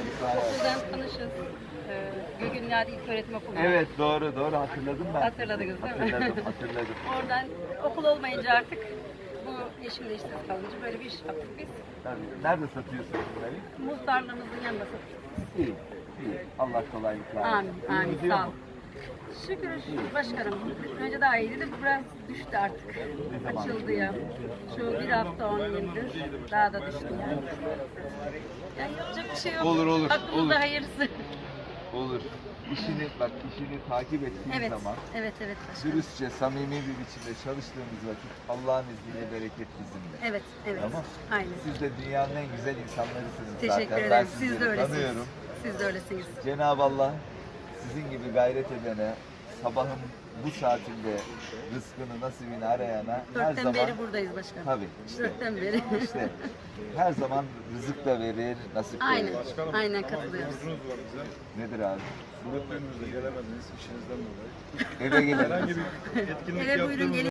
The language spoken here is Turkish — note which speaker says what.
Speaker 1: kolaylıklar.
Speaker 2: Okuldan tanışız. Gögün Nadi İlköğretim Okulu.
Speaker 1: Evet, doğru hatırladım ben.
Speaker 2: Hatırladınız değil mi?
Speaker 1: Hatırladım.
Speaker 2: Oradan okul olmayınca artık bu eşimle işsiz kalınca böyle bir iş yaptık biz.
Speaker 1: Tabii. Nerede satıyorsunuz bunları?
Speaker 2: Muhtarlığımızın yanında satıyoruz.
Speaker 1: İyi. Allah kolaylıklar versin.
Speaker 2: Amin,
Speaker 1: İyi
Speaker 2: amin,
Speaker 1: gidiyor
Speaker 2: sağ ol.
Speaker 1: mu?
Speaker 2: Şükür başkanım. Önce daha iyiydi de biraz düştü artık. Açıldı ya. Şu bir hafta 10 gündür daha da düştü yani. Yani yapacak bir şey yok.
Speaker 1: Olur,
Speaker 2: Aklımızda
Speaker 1: olur.
Speaker 2: hayırlısı.
Speaker 1: Olur. İşini takip ettiğin
Speaker 2: Evet,
Speaker 1: zaman
Speaker 2: evet başkanım.
Speaker 1: dürüstçe, samimi bir biçimde çalıştığımız vakit Allah'ın izniyle bereket bizimle.
Speaker 2: Evet.
Speaker 1: Tamam.
Speaker 2: Aynen.
Speaker 1: Siz de dünyanın en güzel insanlarısınız
Speaker 2: Teşekkür
Speaker 1: zaten. Ben
Speaker 2: ederim. Siz
Speaker 1: sizleri
Speaker 2: de öylesiniz.
Speaker 1: tanıyorum.
Speaker 2: Siz de öylesiniz.
Speaker 1: Cenab-ı Allah sizin gibi gayret edene, sabahın bu saatinde rızkını, nasibini arayana her
Speaker 2: Dörtten
Speaker 1: zaman...
Speaker 2: beri buradayız başkanım.
Speaker 1: Tabii, işte.
Speaker 2: Dörtten beri.
Speaker 1: İşte her zaman rızık da verir, nasip de
Speaker 2: Aynen.
Speaker 1: verir.
Speaker 2: Aynen katılıyoruz.
Speaker 3: Borcunuz var bize.
Speaker 1: Nedir abi?
Speaker 3: Dönümümüzde gelemediniz işinizden dolayı.
Speaker 1: Eve gelelim.
Speaker 3: Herhangi bir etkinlik
Speaker 2: Eve buyurun
Speaker 3: yaptığımız
Speaker 2: gelin.